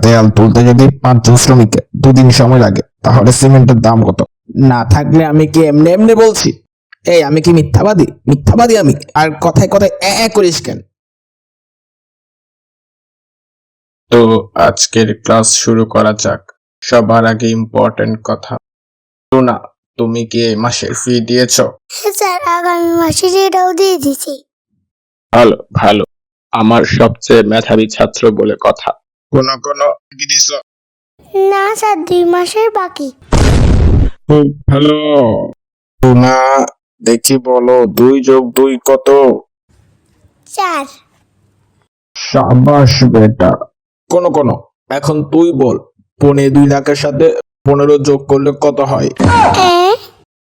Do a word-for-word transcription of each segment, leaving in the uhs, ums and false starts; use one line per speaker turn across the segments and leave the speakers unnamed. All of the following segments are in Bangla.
দেয়াল তুলতে যদি পাঁচজন শ্রমিককে দুদিন সময় লাগে তাহলে সিমেন্টের দাম কত? না থাকলে আমি কি এমনি এমনি বলছি? এই আমি কি মিথ্যাবাদী? মিথ্যাবাদী আমি। আর কথায় কথায় এ এ করিস কেন?
তো আজকের ক্লাস শুরু করা যাক। সবার আগে ইম্পর্টেন্ট কথা, না তুমি কি এই মাসের ফি দিয়েছো?
হ্যাঁ স্যার, আগামী মাসের এটাও দিয়ে দিছি।
ভালো ভালো, আমার সবচেয়ে মেধাবী ছাত্র বলে কথা। কোন কোন কি দিছো?
না স্যার, দুই মাসের বাকি।
খুব ভালো। না দেখি বলো, দুই যোগ দুই কত?
চার।
সাবাস বেটা। কোন কোন এখন তুই বল, পনে দুই লাখের সাথে পনেরো যোগ করলে কত হয়?
হ্যাঁ,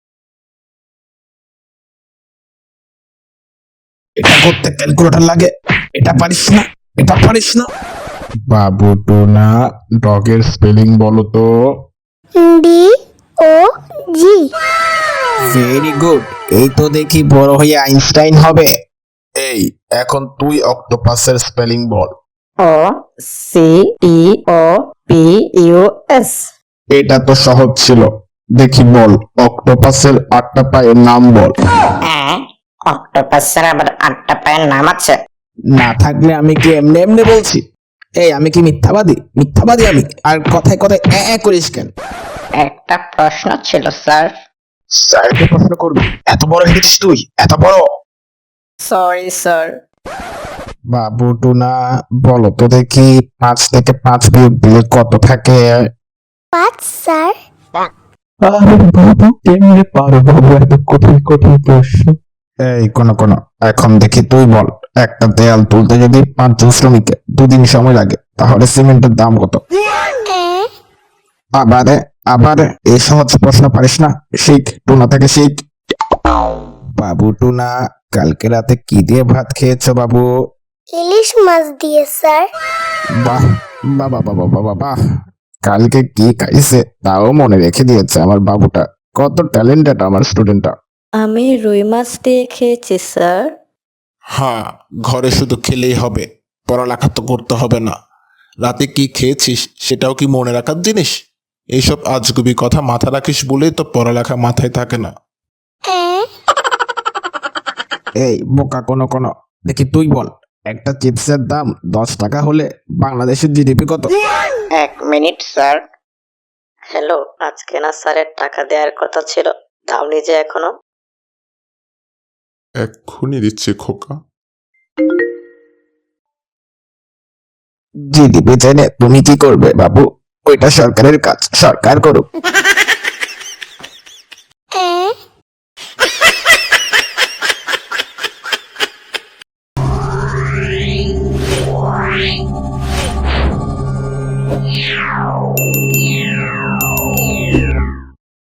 এটা করতে ক্যালকুলেটর লাগে। এটা পারিস না? এটা পারিস না? বাবু টুনা, ডগের স্পেলিং বলো তো।
D O G.
Very good. এই তো দেখি বড় হয়ে আইনস্টাইন হবে। এই এখন তুই অক্টোপাসের স্পেলিং বল।
O C T O P U S.
এটা তো সহজ ছিল। দেখি বল অক্টোপাসের আটটা পায়ের নাম বল।
হ্যাঁ, অক্টোপাসের আবার আটটা পায়ের নাম আছে।
না থাকলে আমি কি এমনি এমনি বলছি? এই আমি কি মিথ্যাবাদী? মিথ্যাবাদী আমি। আর কথায় কথায় এ এ করিস কেন?
একটা প্রশ্ন ছিল স্যার।
স্যারকে প্রশ্ন করবি? এত বড় হয়ে গেছিস তুই? এত বড়?
Sorry sir.
বাবু টুনা, বলো তো দেখি পাঁচ থেকে পাঁচ বিয়োগ দিলে কত থাকে?
পাঁচ স্যার।
আরে বাবু কেমনে পারো বাবু এত কঠিন কঠিন প্রশ্ন? এই কোন কোন এখন দেখি তুই বল, একটা দেয়াল তুলতে যদি পাঁচজন শ্রমিককে দুদিন সময় লাগে তাহলে সিমেন্টের দাম কত?
হ্যাঁ,
আবারে আবার এই সহজ প্রশ্ন পারিস না? শিখ, টুনা থেকে শিখ। বাবু টুনা, কালকে রাতে কি দিয়ে ভাত খেয়েছো বাবু?
ইলিশ মাছ দিয়ে স্যার।
বাহ বাবা বাবা বাবা বাহ, কালকে কি খাইছে তাও মনে রেখে দিয়েছে আমার বাবুটা। কত ট্যালেন্টেড আমার স্টুডেন্টটা।
আমি রুই মাছ দিয়ে খেয়েছি স্যার।
হ্যাঁ, ঘরে শুধু খেলেই হবে, পড়ালেখা তো করতে হবে না। রাতে কি খেয়েছিস সেটাও কি মনে রাখার জিনিস? এইসব আজগুবি কথা মাথা রাখিস বলেই তো পড়ালেখা মাথায় থাকে না।
হ্যাঁ,
এই বোকা কোন কোন, দেখি তুই বল, একটা চিপসের দাম দশ টাকা হলে বাংলাদেশের জিডিপি কত?
এক মিনিট স্যার। হ্যালো, আজকে না স্যারের টাকা দেওয়ার কথা ছিল, দাওনি যে এখনো?
এক্ষুনি দিচ্ছে খোকা।
জিডিপি চাইলে তুমি কি করবে বাবু? ওইটা সরকারের কাজ, সরকার করুক।
হ্যাঁ।